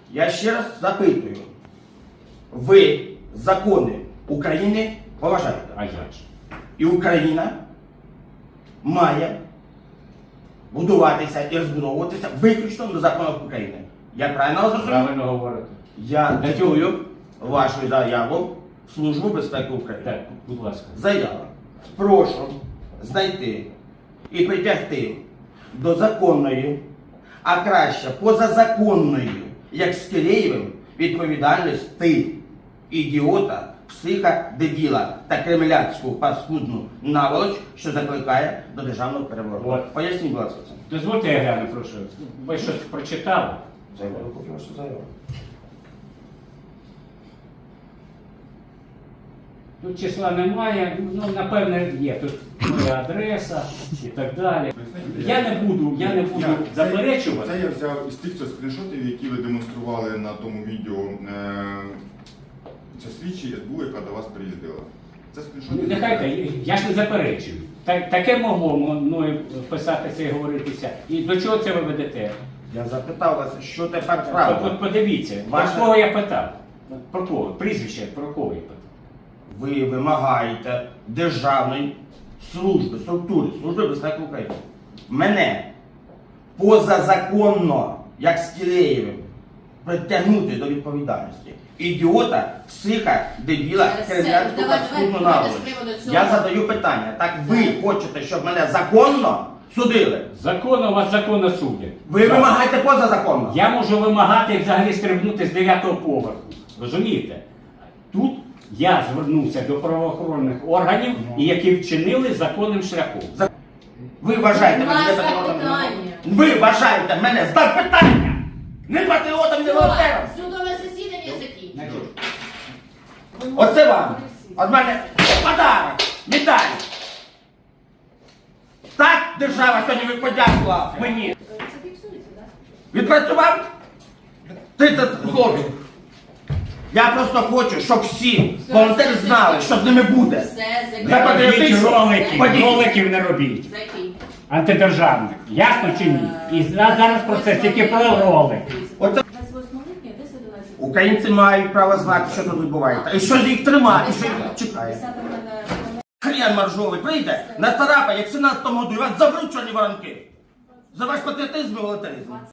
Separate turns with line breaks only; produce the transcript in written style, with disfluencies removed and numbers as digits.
Я ще раз запитую. Ви закони України поважаєте?
А як же?
І Україна має будуватися і розбудовуватися виключно на законах України. Я правильно зрозумів?
Правильно говорите.
Я цитую вашу заяву в Службу безпеки України.
Так, будь ласка.
Заява. Прошу знайти і притягти до законної, а краще позазаконної, як з Киреєвим, відповідальності ідіота, психа, дебіла та кремлянську паскудну наволоч, що закликає до державного перевороту.
От.
Поясніть, будь ласка, це.
Дозвольте я гляну, прошу. Ви щось прочитали?
Заяву купив вашу заяву.
Тут числа немає, ну, напевне, є. Тут моя адреса і так далі. Я не буду заперечувати.
Це я взяв із тих скріншотів, які ви демонстрували на тому відео. Це слідчі СБУ, яка до вас приїздила. Це скріншоти.
Нехай, я ж не заперечую. Таке могло мною писатися і говоритися. І до чого це ви ведете?
Я запитав вас, що тепер правда.
Подивіться,
Ваше-
про кого я питав? Про кого? Прізвище, про кого я питав?
Ви вимагаєте державної структури, Служби безпеки України. Мене позазаконно, як з Киреєвим, притягнути до відповідальності. Ідіота, психа, дебіла, кремлянську паскудну наволоч. Я задаю питання. Так ви хочете, щоб мене законно судили?
Законно вас законно судять.
Ви вимагаєте позазаконно?
Я можу вимагати взагалі стрибнути з 9-го поверху. Розумієте? Тут я звернувся до правоохоронних органів, і які вчинили законним шляхом.
Ви вважаєте мене
Будь
не
ласка,
патріотом?
питання.
Ви вважаєте мене здав питання! Не патріотом, не волонтером!
Судове засідання закінчено.
Значить,
Оце вам! Від мене подарок! Медаль! Так держава сьогодні подякувала мені!
Це фіксується, так?
Відпрацював 30 злотих. Я просто хочу, щоб всі волонтери знали, що з ними буде.
Все,
За
не робіть
патріотизм.
роликів,
Ходіть.
роликів не робіть.
закінчено.
Антидержавних. Ясно чи ні? І зараз про це тільки про ролик.
Оце
28 липня, 10 11.
українці мають право знати, що тут відбувається. І що ж їх тримає, і що їх чекає.
10
Хрен маржовий прийде, на царапа, як в 17-му году, і вас заберуть чорні воронки. За ваш патріотизм і волонтеризм.